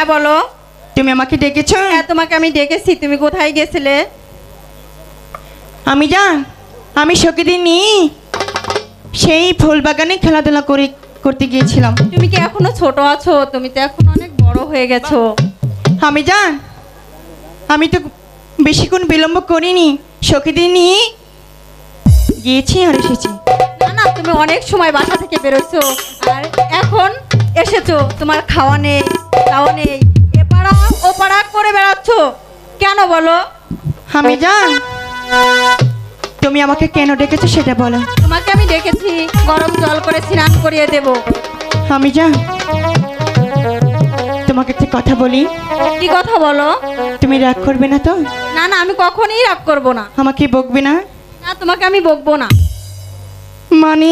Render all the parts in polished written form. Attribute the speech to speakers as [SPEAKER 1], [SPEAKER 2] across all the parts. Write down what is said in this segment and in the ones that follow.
[SPEAKER 1] হ্যাঁ বলো।
[SPEAKER 2] তুমি আমাকে ডেকেছো?
[SPEAKER 1] হ্যাঁ তোমাকে আমি ডেকেছি, তুমি কোথায় গেছিলে?
[SPEAKER 2] আমি জান, আমি সখীদের নিয়ে সেই ফুল বাগানে খেলাধুলা করতে গিয়েছিলাম।
[SPEAKER 1] তুমি কি এখনো ছোট আছো? তুমি তো এখন অনেক বড় হয়ে গেছো।
[SPEAKER 2] আমি জান, আমি তো বেশিক্ষণ বিলম্ব করিনি, সখীদের নিয়ে গিয়েছি আর এসেছি।
[SPEAKER 1] না না, তুমি অনেক সময় বাসা থেকে বেরোছো আর এখন এসেছো, তোমার খাওয়া নেই খাওয়া নেই, এ পাড়া ও পাড়া করে বেড়াচ্ছ কেন বলো?
[SPEAKER 2] আমি জান, তুমি আমাকে কেন ডেকেছো সেটা বলো।
[SPEAKER 1] তোমাকে আমি ডেকেছি গরম জল করে স্নান করিয়ে দেব।
[SPEAKER 2] আমি জান, তোমাকে একটা কথা বলি।
[SPEAKER 1] কি কথা বলো?
[SPEAKER 2] তুমি রাগ করবে না তো?
[SPEAKER 1] না না, আমি কখনোই রাগ করব না।
[SPEAKER 2] আমাকে বকবে না?
[SPEAKER 1] না, তোমাকে আমি বকবো না।
[SPEAKER 2] মানে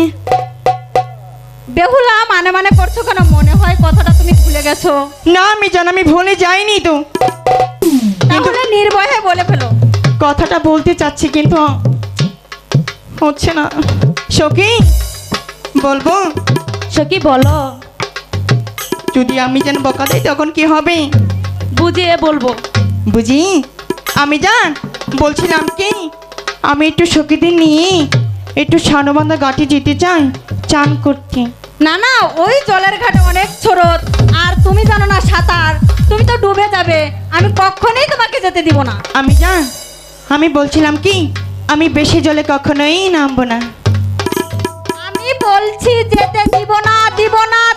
[SPEAKER 1] বেহুলা মানে মানে করছো কেন? মনে হয় কথাটা তুমি ভুলে গেছো।
[SPEAKER 2] না আমি জান, আমি ভুলে যাইনি তো,
[SPEAKER 1] তাহলে নির্ভয়ে বলে ফেলো।
[SPEAKER 2] কথাটা বলতে চাচ্ছি কিন্তু হচ্ছে না। সখী বলবো?
[SPEAKER 1] সখী বলো।
[SPEAKER 2] যদি আমি যেন বকা দেই তখন কি হবে?
[SPEAKER 1] বুঝিয়ে বলবো।
[SPEAKER 2] বুঝি? আমি জান বলছিলাম কি, আমি একটু সখীদের নিয়ে একটু সানবান্ধা ঘাটে যেতে চাই চান করতে।
[SPEAKER 1] না না, ওই জলের ঘাটে অনেক স্রোত, আর তুমি জানো না সাঁতার, তুমি তো ডুবে যাবে। আমি কখনোই তোমাকে যেতে দিব না।
[SPEAKER 2] আমি জান, আমি বলছিলাম কি, আমি বেশি জলে কখনোই নামবো না।
[SPEAKER 1] আমি বলছি যেতে দিব না, দিব না,